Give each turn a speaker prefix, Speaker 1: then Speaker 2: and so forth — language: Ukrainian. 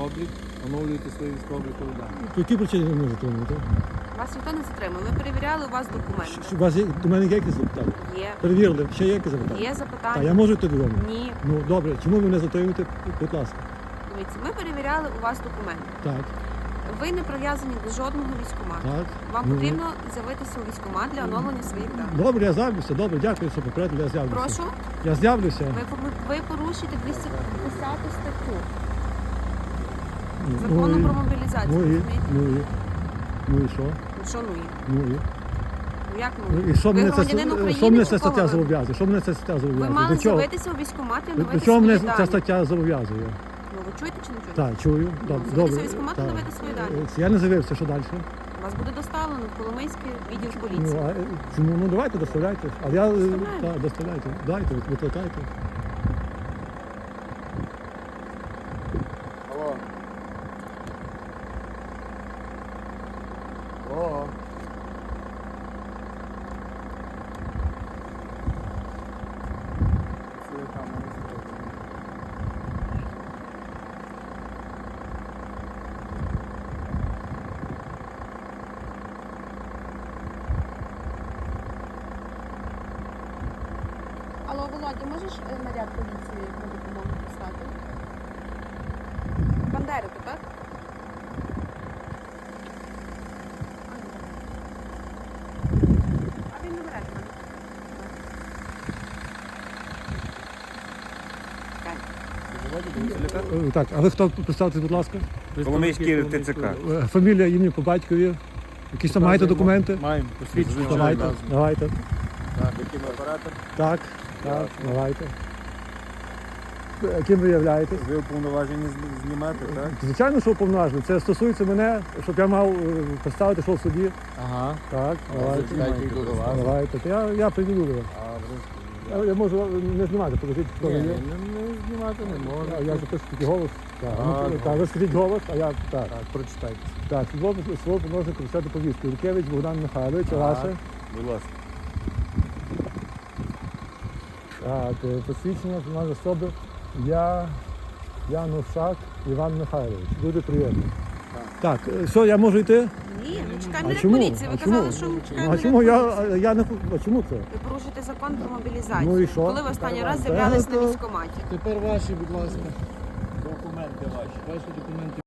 Speaker 1: облік, оновлюєте свої військово-облікові дані.
Speaker 2: По якій причині ви не затримуєте?
Speaker 3: Вас ніхто не затримав. Ми перевіряли у вас документи.
Speaker 2: У вас є, до мене є якісь запитання?
Speaker 3: Є.
Speaker 2: Перевірили, ще є якісь запитання?
Speaker 3: Є
Speaker 2: Так,
Speaker 3: запитання?
Speaker 2: я можу йти додому?
Speaker 3: Ні.
Speaker 2: Ну, добре, чому ви мене затримуєте? Будь ласка.
Speaker 3: Дивіться, ми перевіряли у вас документи.
Speaker 2: Так,
Speaker 3: Ви не прив'язані до жодного військкомату.
Speaker 2: так.
Speaker 3: Вам
Speaker 2: Ну,
Speaker 3: потрібно з'явитися у військкомат для оновлення своїх даних.
Speaker 2: Добре, я з'явлюся, добре, дякую, що попередили, я з'явлюся.
Speaker 3: Прошу,
Speaker 2: Я з'явлюся.
Speaker 3: ви порушуєте 210 статтю
Speaker 2: Ну,
Speaker 3: закону
Speaker 2: і-
Speaker 3: про мобілізацію.
Speaker 2: Ну і,
Speaker 3: Розумієте?
Speaker 2: ну і що?
Speaker 3: Що ну є?
Speaker 2: Ну і.
Speaker 3: Ну як
Speaker 2: Ну,
Speaker 3: ну?
Speaker 2: і що
Speaker 3: Ви
Speaker 2: мене це,
Speaker 3: громадянин України,
Speaker 2: що мене
Speaker 3: чи
Speaker 2: ця
Speaker 3: кого
Speaker 2: стаття
Speaker 3: ви?
Speaker 2: зобов'язує? Що мене ця стаття
Speaker 3: Ви
Speaker 2: зобов'язує?
Speaker 3: мали
Speaker 2: До чого?
Speaker 3: з'явитися у військкомат і
Speaker 2: До
Speaker 3: оновити
Speaker 2: чого
Speaker 3: свої
Speaker 2: мене ця
Speaker 3: дані.
Speaker 2: стаття зобов'язує?
Speaker 3: Ну ви чуєте чи не чуєте?
Speaker 2: Так, чую. Добре.
Speaker 3: з'явитися у військкомат і
Speaker 2: Так.
Speaker 3: оновити свої дані.
Speaker 2: Я не з'явився, що далі?
Speaker 3: Вас буде доставлено в Коломийський відділ
Speaker 2: Ну,
Speaker 3: поліції.
Speaker 2: а чому? Ну давайте, доставляйте. А я
Speaker 3: Доставляємо.
Speaker 2: так, доставляйте. Дайте, викликайте.
Speaker 1: Алло. Алло.
Speaker 3: Алло, Володя, можеш наряд поліції на допомогу послати? Бандерику, так? А він не бере до мене. Чекай.
Speaker 2: Так, а ви хто? Представтесь, будь ласка.
Speaker 4: Коломийський ТЦК.
Speaker 2: Фамілія, ім'я по батькові. Якісь там маєте документи?
Speaker 1: Маємо посвідчення.
Speaker 2: Давайте, давайте.
Speaker 4: Який оператор?
Speaker 2: Так, так, давайте. Ким ви являєтесь?
Speaker 4: Ви уповноважені знімати, так?
Speaker 2: Звичайно, що уповноважений. Це стосується мене, щоб я мав представити, що в суді.
Speaker 1: Ага.
Speaker 2: Так, давайте.
Speaker 1: Зачекайте, йду до вас.
Speaker 2: Давайте. То я приділю його. Я можу не знімати, покажіть, хто ви є.
Speaker 1: Не знімати не можна.
Speaker 2: Я запишу тільки голос. Так,
Speaker 1: А,
Speaker 2: ну, так, ви скажіть голос, а я так.
Speaker 1: Так, прочитайте.
Speaker 2: Так, слово помножник користати повістку. Юркевич Богдан Михайлович, а
Speaker 1: Так.
Speaker 2: ваше?
Speaker 4: Будь ласка.
Speaker 2: Так, посвідчення фінальної особи. Янушак Іван Михайлович. Дуже приємно. Так, що, я можу йти?
Speaker 3: Ні, ми чекаємо
Speaker 2: А
Speaker 3: наряд
Speaker 2: чому?
Speaker 3: поліції. Ви
Speaker 2: А чому?
Speaker 3: казали, що ми чекаємо
Speaker 2: А
Speaker 3: наряд
Speaker 2: чому
Speaker 3: поліції.
Speaker 2: я не а чому це?
Speaker 3: Ви порушуєте закон про мобілізацію.
Speaker 2: Ну і що?
Speaker 3: Коли ви останній раз
Speaker 2: Та
Speaker 3: з'являлись
Speaker 2: то-
Speaker 3: на військкоматі?
Speaker 1: Тепер ваші, будь ласка.
Speaker 4: Документи ваші.
Speaker 1: Ваші документи.